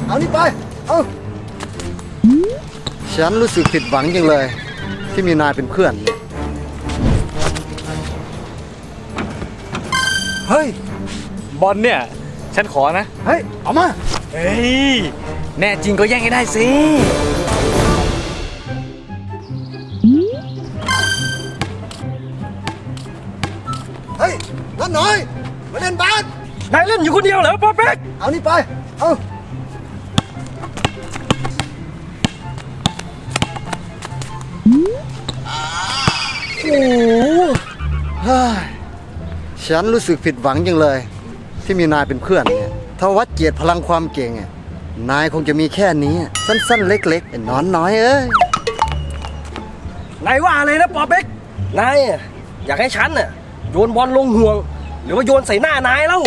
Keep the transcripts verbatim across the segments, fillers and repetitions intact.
เอานี่ไปเอาฉันรู้สึกผิดหวังจังเลยที่มีนายเป็นเพื่อนเนี่ยเฮ้ยบอลเนี่ยฉันขอนะเฮ้ยเอามาเฮ้ยแน่จริงก็แย่งให้ได้สิเฮ้ยนั่นหน่อยมาเล่นบาสนายเล่นอยู่คนเดียวเหรอป๊อปเป๊กเอานี่ไปเอาโอ้โหฉันรู้สึกผิดหวังจังเลยที่มีนายเป็นเพื่อนเนี่ยถ้าวัดเกียรติพลังความเก่งนายคงจะมีแค่นี้สั้นๆเล็กๆไอ้นอนน้อยเอ้ยนายว่าอะไรนะป๊อปเป๊กนายอยากให้ฉันน่ะโยนบอลลงห่วงหรือว่าโยนใส่หน้านายเล่า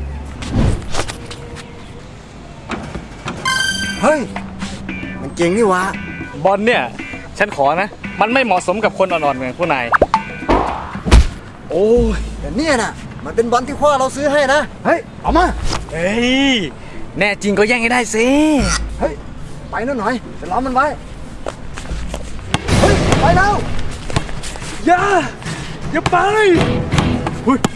เฮ้ยมันเก่งนี่วะบอลเนี่ยฉันขอนะมันไม่เหมาะสมกับคนอ่อนๆเหมือนผู้นายโอ้ยแต่เนี่ยนะมันเป็นบอลที่พ่อเราซื้อให้นะเฮ้ยเอามาเฮ้ยแน่จริงก็แย่งให้ได้สิเฮ้ยไปนั่นหน่อยไปล้อมมันไว้เฮ้ยไปแล้วอย่าอย่าไปเฮ้ย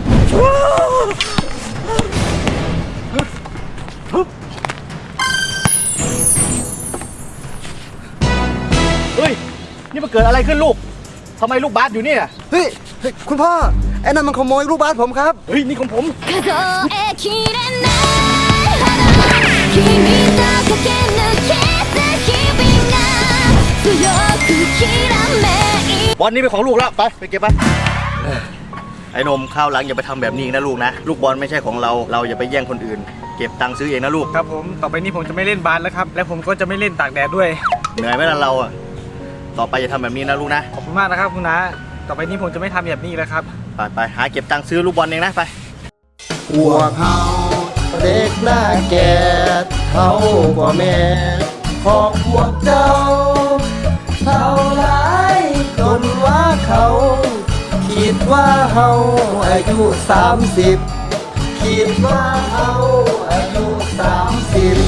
เฮ้ยนี่มันเกิดอะไรขึ้นลูกทำไมลูกบาสอยู่นี่อ่ะเฮ้ยคุณพ่อไอ้นั่นมันขโมยลูกบาสผมครับเฮ้ยนี่ของผมบอลนี่เป็นของลูกแล้วไปไปเก็บไปไอ้นมข้าวหลังอย่าไปทำแบบนี้นะลูกนะลูกบอลไม่ใช่ของเราเราอย่าไปแย่งคนอื่นเก็บตังค์ซื้อเองนะลูกครับผมต่อไปนี้ผมจะไม่เล่นบาสแล้วครับและผมก็จะไม่เล่นตากแดดด้วยเหนื่อยไหมล่ะเราอ่ะต่อไปอย่าทำแบบนี้นะลูกนะขอบคุณมากนะครับคุณน้าต่อไปนี้ผมจะไม่ทำแบบนี้แล้วครับไปไปหาเก็บตังค์ซื้อลูกบอลเองนะไปพวกเขาเด็กหน้าแก่เขากว่าแม่ของพวกเจ้าเท่าไรจนว่าเขาคิดว่าเขาอายุสามสิบคิดว่าเขาอายุสามสิบ